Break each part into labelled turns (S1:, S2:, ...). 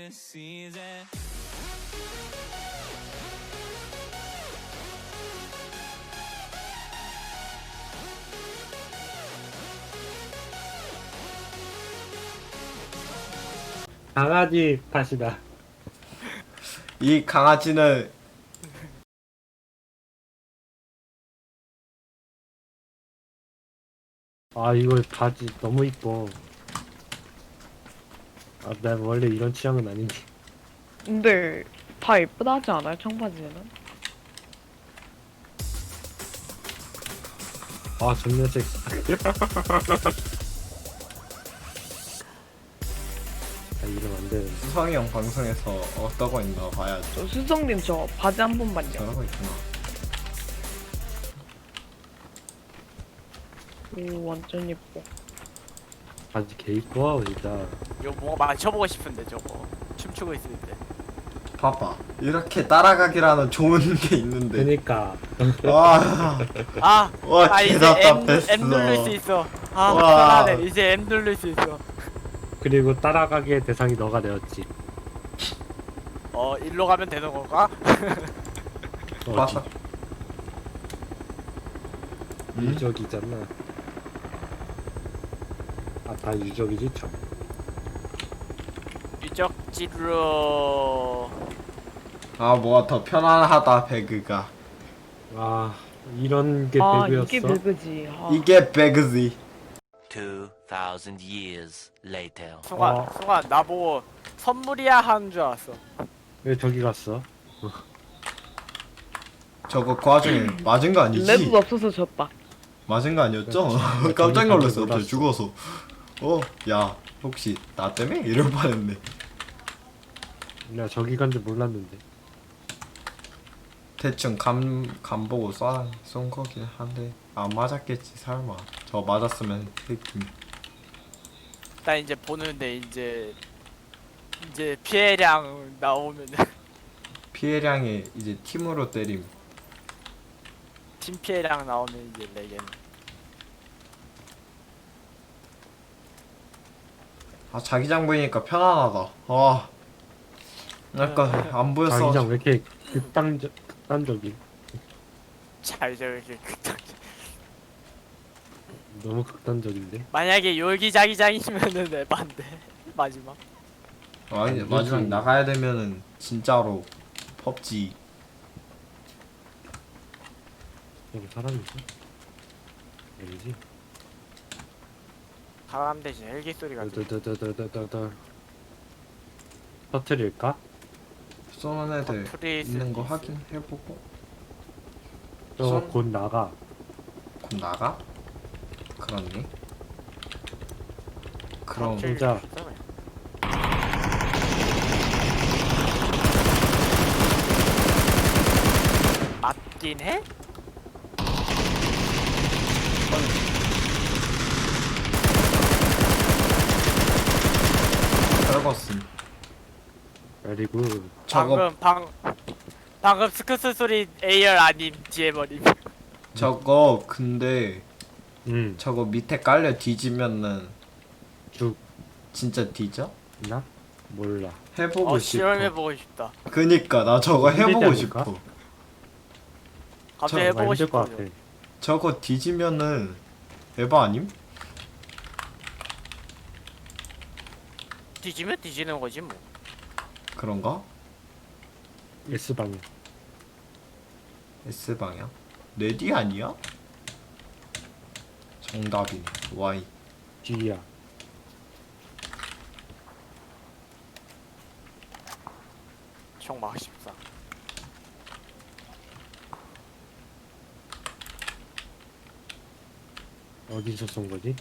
S1: season.
S2: 강아지 탓이다.
S3: 이 강아지는
S2: 아 이거 바지 너무 이뻐. 아 난 원래 이런 취향은 아닌데.
S4: 근데 다 예쁘다 하지 않아요? 청바지는?
S2: 아 존나 섹시. 아 이러면 안 되는데.
S3: 수성이 형 방송에서 어떠고 있나 봐야지.
S4: 저 수성님 저 바지 한 번만요.
S3: 저러고 있구나.
S4: 오 완전 예뻐.
S2: 바지 개 이뻐 진짜.
S5: 이거 뭔가 맞춰보고 싶은데 저거 춤추고 있을 때.
S3: 봐봐. 이렇게 따라가기라는 좋은 게 있는데.
S2: 그니까.
S3: 와,
S5: 아!
S3: 와,
S5: 아 이제
S3: 개답답했어.
S5: M 누를 수 있어. 아
S3: 와.
S5: 편하네. 이제 M 누를 수 있어.
S2: 그리고 따라가기의 대상이 너가 되었지.
S5: 일로 가면 되는 건가?
S3: 맞아.
S2: 유적이잖아. 아 다 유적이지 참.
S5: 유적지로.
S3: 아, 뭐가 더 편안하다, 배그가.
S2: 아 이런 게
S4: 아
S2: 배그였어.
S4: 이게 배그지. 아.
S3: 이게 배그지.
S1: 2,000 years later.
S5: 순간 순간 나보고 선물이야 하는 줄 알았어.
S2: 왜 저기 갔어?
S3: 저거 그 와중에 맞은 거 아니지?
S4: 레드 없어서 졌다.
S3: 맞은 거 아니었죠?
S2: 그렇지.
S3: 깜짝 놀랐어.
S2: 저기
S3: 갑자기 죽어서. 야, 혹시 나 때문에? 이럴 뻔했네.
S2: 내가 저기 간 줄 몰랐는데.
S3: 대충 감 보고 쏜 거긴 한데 안 맞았겠지 설마. 저 맞았으면 느낌.
S5: 나 이제 보는데 이제 피해량 나오면
S3: 피해량이 이제 팀으로 때림.
S5: 팀 피해량 나오면 이제 레겐.
S3: 아, 자기장 보이니까 편안하다. 와. 약간 안 보였어.
S2: 자기장 왜 이렇게 극단적이?
S5: 잘 저렇게 극장.
S2: 너무 극단적인데?
S5: 만약에 여기 자기장이면은 에반데 마지막.
S3: 아니, 마지막 나가야 되면은 진짜로 펍지.
S2: 여기 사람 있어? 아니지?
S5: 사람 대신 헬기 소리가 들려.
S2: 더더더더더더더 터트릴까?
S3: 쏘는 애들
S5: 터트릴
S3: 있는
S5: 수도
S3: 거
S5: 있어.
S3: 확인해보고
S2: 저
S3: 손-
S2: 곧 나가.
S3: 곧 나가? 그렇니? 그럼
S5: 터트릴
S2: 진짜.
S5: 수 있어, 그냥. 맞긴 해?
S3: 떨궜음.
S2: 그리고
S3: 저거
S5: 방금 스크스 소리 AR 아님 DM어님.
S3: 저거 근데
S2: 응
S3: 저거 밑에 깔려 뒤지면은
S2: 죽나?
S3: 진짜 뒤져?
S2: 몰라.
S3: 해보고 싶어.
S5: 실험해보고 싶다.
S3: 그니까 나 저거 해보고
S2: 힘들지 않을까?
S3: 싶어.
S5: 갑자기
S3: 저
S5: 해보고
S2: 힘들 것
S5: 싶어.
S2: 같아.
S3: 저거 뒤지면은 에바 아님?
S5: 뒤지면 뒤지는 거지 뭐.
S3: 그런가?
S2: S방향.
S3: S 방향? 레디 아니야? 정답이네. Y.
S2: D야.
S5: 총 막 14.
S2: 어디서 쏜 거지?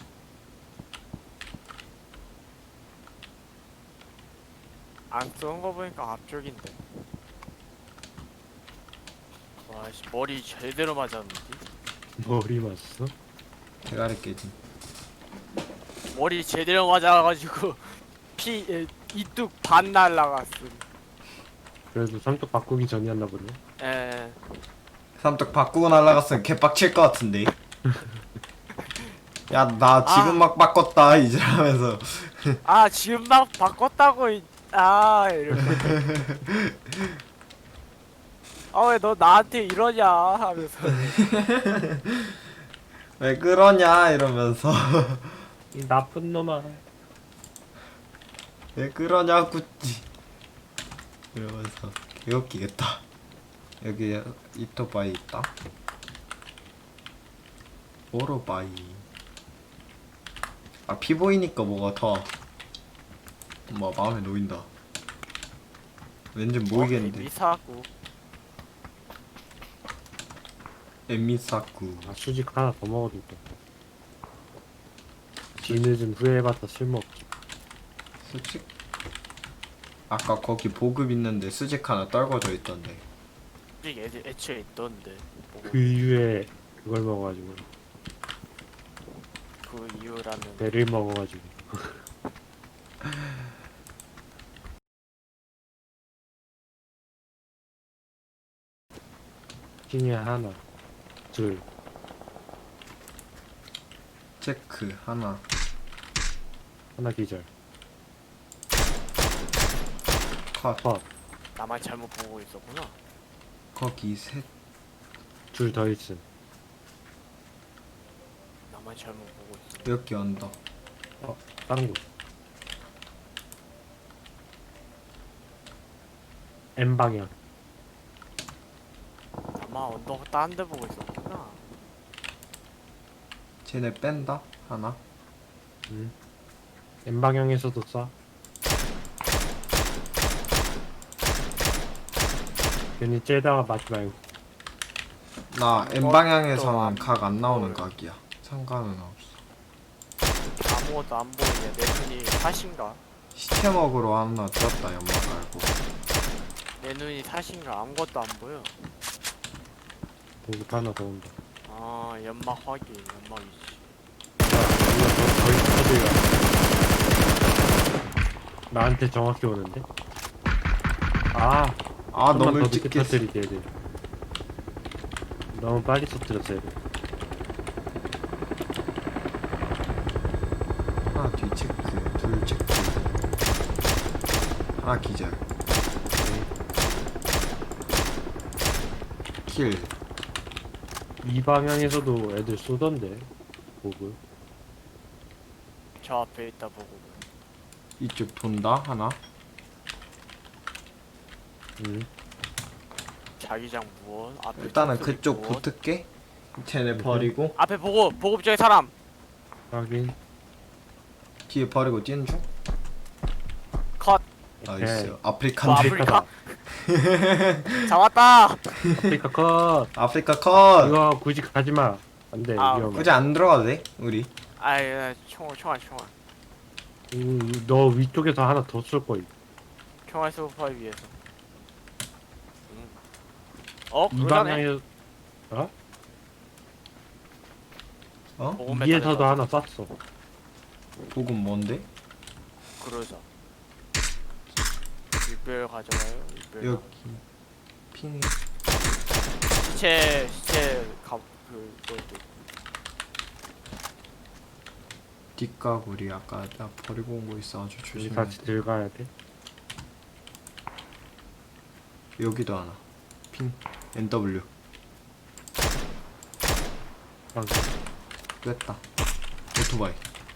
S5: 안 쏜 거 보니까 앞쪽인데. 와씨 머리 제대로 맞았는데.
S2: 머리 맞았어?
S3: 대가리 깨짐.
S5: 머리 제대로 맞아가지고 이뚝 반 날라갔음.
S2: 그래도 삼뚝 바꾸기 전이었나 보네.
S5: 에.
S3: 삼뚝 바꾸고 날라갔으면 개빡칠 것 같은데. 야, 나 지금
S5: 아.
S3: 막 바꿨다 이제 하면서.
S5: 아 지금 막 바꿨다고 아 이러면서 아왜 너 나한테 이러냐 하면서
S3: 왜 그러냐 이러면서
S2: 이 나쁜 놈아.
S3: 왜 그러냐 구찌 이러면서 개웃기겠다. 여기 이토바이 있다. 오토바이. 아 피 보이니까 뭐가 더 마음에 놓인다. 왠지 모르겠는데.
S5: 미사구
S3: 에미사쿠.
S2: 아 수직 하나 더 먹어도 돼. 뒤늦은 후회해봤자 쓸모없지.
S3: 수직? 아까 거기 보급 있는데 수직 하나 떨궈져 있던데.
S5: 솔직히 애초에 있던데 뭐,
S2: 그 이후에 그걸 먹어가지고
S5: 그 이유라는
S2: 배를 먹어가지고. 중에 하나, 둘,
S3: 체크 하나.
S2: 하나 기절.
S3: 컷.
S2: 컷.
S5: 나만 잘못 보고 있었구나.
S3: 거기 셋.
S2: 둘 더 있음.
S5: 나만 잘못 보고 있어.
S3: 여기 언덕.
S2: 다른 곳. M 방향.
S5: 나만 언덕 딴 데 보고 있었구나.
S3: 쟤네 뺀다 하나.
S2: M 방향에서도 쏴. 괜히 째다가 맞지 말고.
S3: 나 M
S5: 또
S3: 방향에서는
S5: 안
S3: 각 안 나오는
S5: 보여.
S3: 각이야. 상관은 없어.
S5: 아무것도 안 보이네. 내 눈이 탓인가?
S3: 시체 먹으러 하나 떴다 연막 말고.
S5: 내 눈이 탓인가? 아무것도 안 보여.
S2: 보급 하나 더 온다.
S5: 아 연막 확인. 연막이지.
S2: 거의 터들가. 나한테 정확히 오는데? 아,
S3: 아
S2: 좀만
S3: 너무
S2: 더
S3: 일찍
S2: 늦게
S3: 깼어.
S2: 터뜨리게 애들. 너무 빨리 터뜨렸어 애들.
S3: 하나 뒤 체크, 둘 체크. 하나 기절. 킬.
S2: 이 방향에서도 애들 쏘던데 보급.
S5: 저 앞에 있다 보고.
S3: 이쪽 돈다 하나.
S5: 자기장 무엇? 앞에
S3: 일단은
S5: 총소리
S3: 그쪽
S5: 무엇?
S3: 붙을게. 쟤네 버리고
S5: 앞에 보고 보급 쪽에 사람.
S2: 확인.
S3: 뒤에 버리고 뛰는 중.
S5: 컷.
S3: 나이스.
S2: 오케이.
S3: 아프리칸
S5: 와,
S3: 데
S5: 아프리카. 잡았다.
S2: 아프리카 컷.
S3: 아프리카 컷.
S2: 이거 굳이 가지마. 안돼
S5: 아,
S2: 위험해.
S3: 굳이 안 들어가도 돼 우리.
S5: 아이 총알.
S2: 너 위쪽에서 하나 더 쏠 거임.
S5: 총알 소파 위에서. 어?
S2: 이
S5: 그러네.
S2: 방향에
S3: 어?
S5: 보급
S2: 위에서도
S5: 메탈에서.
S2: 하나 쐈어.
S3: 보급 뭔데?
S5: 그러자. 육별 가져가요. 육별.
S3: 여기 핑.
S5: 시체 그것도.
S3: 뒷가구리 아까 나 버리고 온 거 있어. 아주
S2: 우리
S3: 조심해.
S2: 같이 들어가야 돼.
S3: 여기도 하나. 핑. NW.
S2: 방금.
S3: 뺐다. 오토바이.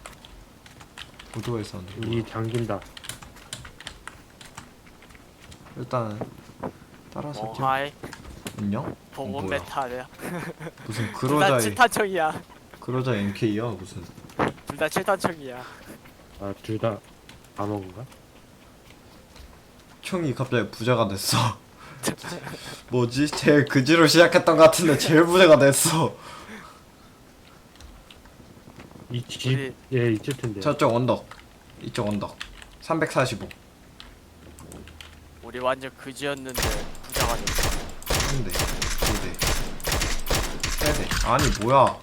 S3: 오토바이 사운드.
S2: 이 당긴다.
S3: 일단은 따라서
S5: 어
S3: 뛰어.
S5: 하이.
S3: 안녕?
S5: 보급
S3: 뭐야?
S5: 메탈이야.
S3: 무슨
S5: 둘 다
S3: 그러자의
S5: 7탄총이야.
S3: 그러자 MK야 무슨.
S5: 둘 다 7탄총이야.
S2: 아 둘 다 다 먹은가?
S3: 총이 갑자기 부자가 됐어. 뭐지? 제일 그지로 시작했던 것 같은데 제일 부자가 됐어.
S2: 이 집에 있을 텐데.
S3: 저쪽 언덕. 이쪽 언덕. 345.
S5: 우리 완전 그지였는데 부자가 됐어.
S3: 한 대, 두 대, 세 대. 아니 뭐야?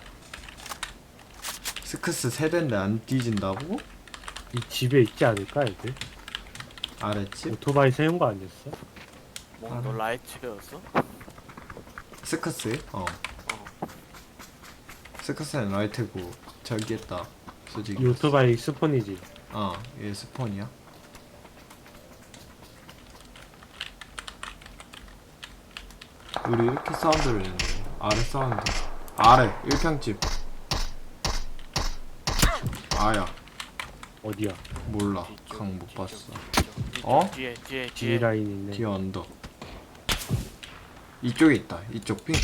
S3: 스크스 세 대인데 안 뒤진다고?
S2: 이 집에 있지 않을까 애들?
S3: 아랫집?
S2: 오토바이 세운 거 아니었어?
S5: 뭐 너 라이트였어?
S3: 스크스? 어. 스크스는 라이트고 저기 했다. 솔직히.
S2: 이 오토바이 스폰이지.
S3: 얘 스폰이야? 우리 이렇게 사운드를 내는데 아래 사운드 아래 1평집 아야
S2: 어디야?
S3: 몰라 강 못 봤어 어?
S5: 뒤에
S2: D 라인 있네.
S3: 뒤에 언덕 이쪽에 있다 이쪽 핑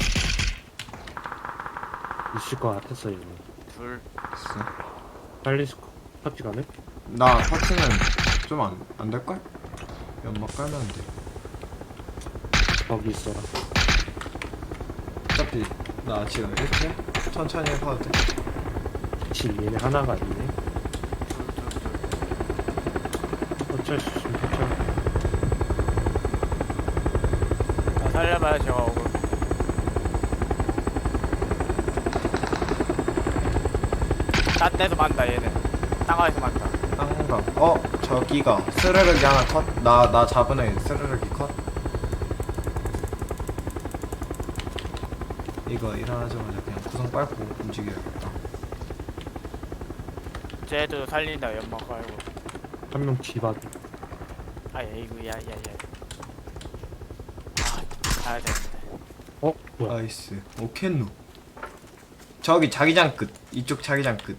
S2: 있을 것 같았어 얘는.
S5: 둘.
S3: 있어
S2: 빨리 파티 가네?
S3: 나 파츠는 좀 안 될걸? 연막 깔면 돼
S2: 거기 있어라.
S3: 어차피 나 지금 이렇게 천천히 해봐도 돼
S2: 그치 얘네 하나가 아니네. 어쩔 수 없으면 어쩔.
S5: 자, 살려봐요 제가 오고. 딴 데서 만다 얘는. 땅가에서 만다.
S3: 땅감 저기가 스르륵이 하나 컷나 잡은 애 스르륵이 컷 이거 일어나자마자 그냥 구성 빨고 움직여야겠다
S5: 쟤도 살린다 연막 깔고.
S2: 한 명 뒤봐도.
S5: 아이고 야야야. 아 가야 되는데.
S2: 어? 뭐야?
S3: 나이스 오켄누 저기 자기장 끝 이쪽 자기장 끝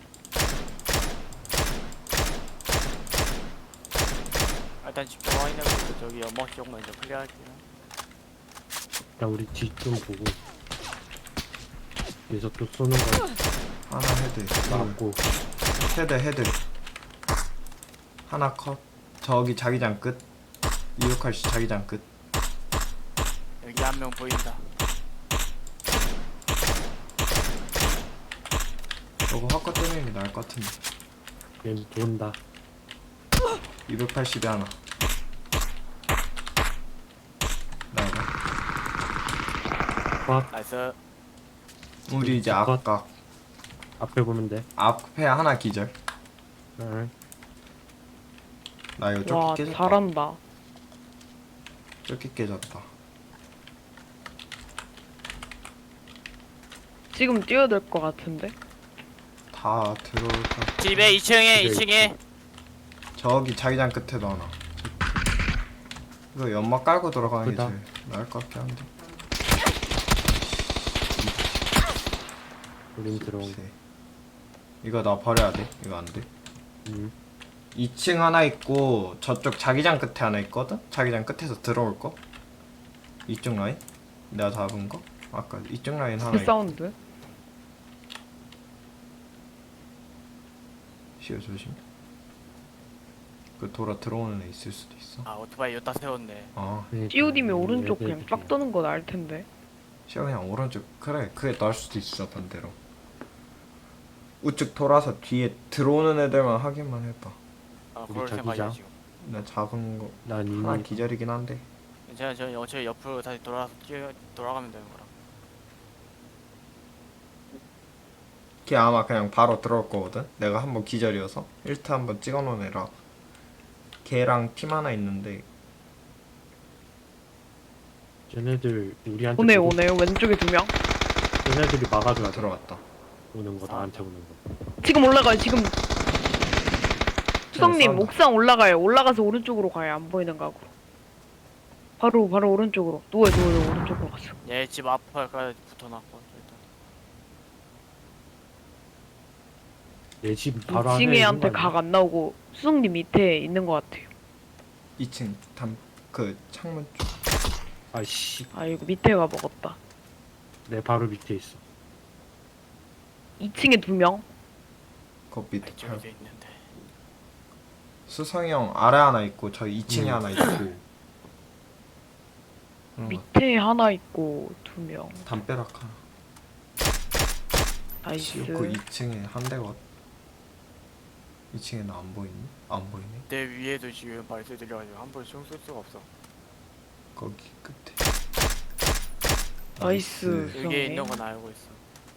S5: 일단 집중 확인해보고 저기 연막 쪽 먼저 클리어할게요.
S2: 야 우리 뒤 좀 보고. 여기서 또 쏘는 거
S3: 하나 헤드
S2: 나왔고.
S3: 헤드 하나 컷 저기 자기장 끝 268씨 자기장 끝
S5: 여기 한 명 보인다.
S3: 저거 화과 때리는 게 나을 것 같은데
S2: 얘는 돈다.
S3: 280에 하나 나이가
S2: 꽉
S5: 나이스.
S3: 우리 이제
S2: 컷.
S3: 아까
S2: 앞에 보면 돼.
S3: 앞에 하나 기절
S2: 응.
S3: 나 이거
S4: 와
S3: 조끼 깨졌다
S4: 잘한다.
S3: 조끼 깨졌다
S4: 지금 뛰어야 될 것 같은데.
S3: 다 들어올까
S5: 집에 2층에
S2: 집에
S5: 2층에
S3: 저기 자기장 끝에도 하나 이거 연막 깔고 들어가는 게
S2: 그다.
S3: 제일 나을 것 같긴 한데
S2: 우린 들어온 거.
S3: 세. 이거 나 버려야 돼 이거 안돼 2층 하나 있고 저쪽 자기장 끝에 하나 있거든? 자기장 끝에서 들어올 거 이쪽 라인? 내가 잡은 거? 아까 이쪽 라인 하나
S4: 그
S3: 있고
S4: 사운드.
S3: 시어 조심 그 돌아 들어오는 애 있을 수도 있어
S5: 아 오토바이 여기다 세웠네.
S3: 아
S4: 찌우디면 오른쪽 그냥 빡 떠는 거 나을 텐데.
S3: 시어 그냥 오른쪽 그래 그게 나을 수도 있어 반대로 우측 돌아서 뒤에 들어오는 애들만 확인만 해봐
S5: 아
S2: 우리
S5: 그럴
S2: 자기장?
S5: 생각이야 지금.
S3: 나 잡은 거
S2: 난
S3: 하나
S2: 이미
S3: 기절이긴 한데
S5: 괜찮아 저 어차피 옆으로 다시 돌아가면 되는 거라.
S3: 걔 아마 그냥 바로 들어올 거거든? 내가 한번 기절이어서 1타 한번 찍어놓은 애라 걔랑 팀 하나 있는데
S2: 쟤네들 우리한테
S4: 오네
S2: 보고
S4: 오네 왼쪽에 두 명.
S2: 쟤네들이 막아줘야 돼.
S3: 들어갔다
S2: 오는 거 나한테 오는 거.
S4: 지금 올라가요 지금. 수성님
S3: 싸운다.
S4: 옥상 올라가요. 올라가서 오른쪽으로 가요. 안 보이는 각으로. 바로 오른쪽으로. 누워요 오른쪽으로 갔어.
S5: 얘 집 앞에까지 붙어놨고 일단.
S2: 내 집 바로 안에
S4: 2층에한테
S2: 있는 거
S4: 각
S2: 아니야?
S4: 안 나오고 수성님 밑에 있는 것 같아요.
S3: 2층 그 창문 쪽
S2: 아이씨,
S4: 아이고 밑에가 먹었다.
S2: 내 바로 밑에 있어.
S4: 2층에 두 명.
S3: 그 밑에
S5: 이쪽에도 있는데.
S3: 수성이 형 아래 하나 있고 저 2층에 하나 있고
S4: 밑에 하나 있고 두 명.
S3: 담벼락 하나
S4: 나이스.
S3: 그 2층에 한 대가 2층에 나 안 보이니? 안 보이네
S5: 내 위에도 지금 발소리 들려가지고 함부로 총쏠 수가 없어.
S3: 거기 끝에
S4: 나이스.
S5: 여기에
S4: 수성님.
S5: 있는 건 알고 있어.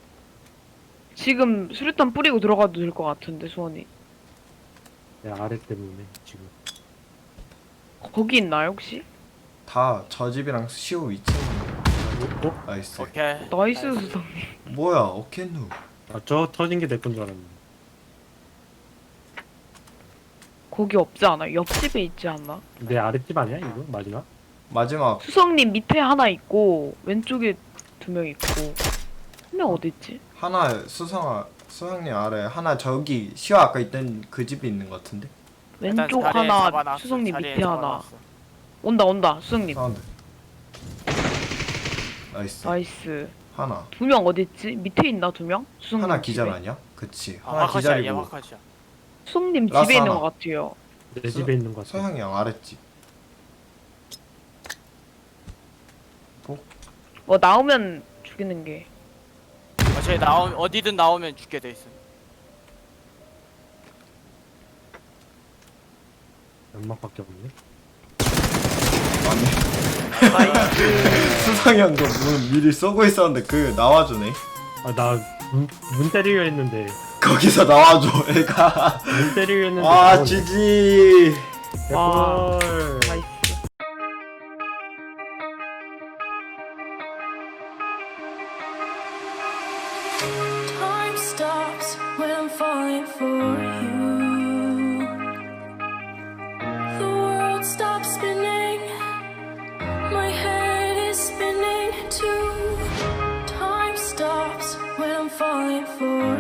S4: 지금 수류탄 뿌리고 들어가도 될 것 같은데 수원이.
S2: 내 아래 때문에 지금.
S4: 거기 있나요 혹시?
S3: 다 저 집이랑 시오 2층
S2: 어?
S3: 나이스
S5: 오케이.
S4: 나이스 수성님.
S3: 뭐야 어켄누
S2: 아, 저 터진 게 내 건 줄 알았는데.
S4: 거기 없지 않아? 옆집에 있지 않나?
S2: 내 아랫집 아니야 이거? 마지막?
S3: 마지막
S4: 수성님 밑에 하나 있고 왼쪽에 2명 있고 한 명 어디 있지?
S3: 하나 수성님 아래 하나 저기 시와 아까 있던 그 집에 있는 것 같은데.
S5: 일단
S4: 왼쪽
S5: 자리에
S4: 하나,
S5: 잡아놨어,
S4: 수성님
S5: 자리에
S4: 밑에 하나.
S5: 잡아놨어.
S4: 온다 수성님.
S3: 사운드. 나이스.
S4: 나이스.
S3: 하나.
S4: 2명 어디 있지? 밑에 있나 2명? 수성님
S3: 하나 기절
S4: 집에?
S3: 아니야? 그치.
S5: 아,
S3: 하나
S5: 화컷이야, 얘
S3: 기절이고
S5: 화컷이야.
S4: 수성님
S3: 라스
S4: 집에 있는
S3: 하나.
S4: 것 같아요.
S2: 내 집에 있는 것 같아.
S3: 서양이 형 아랫집.
S4: 나오면 죽이는 게.
S5: 쟤 어디든 나오면 죽게 돼 있어.
S2: 연막밖에 없네.
S3: 아니. 수상이 형도 문 미리 쏘고 있었는데 그 나와주네.
S2: 아, 문 때리려 했는데.
S3: 거기서 나와줘 애가.
S2: 문 때리려 했는데.
S3: 아
S2: 나오네.
S3: GG.
S4: 와.
S2: 개꿀.
S4: 나이스.
S6: Time stops when I'm falling for you. The world stops spinning. My head is spinning too. Time stops when I'm falling for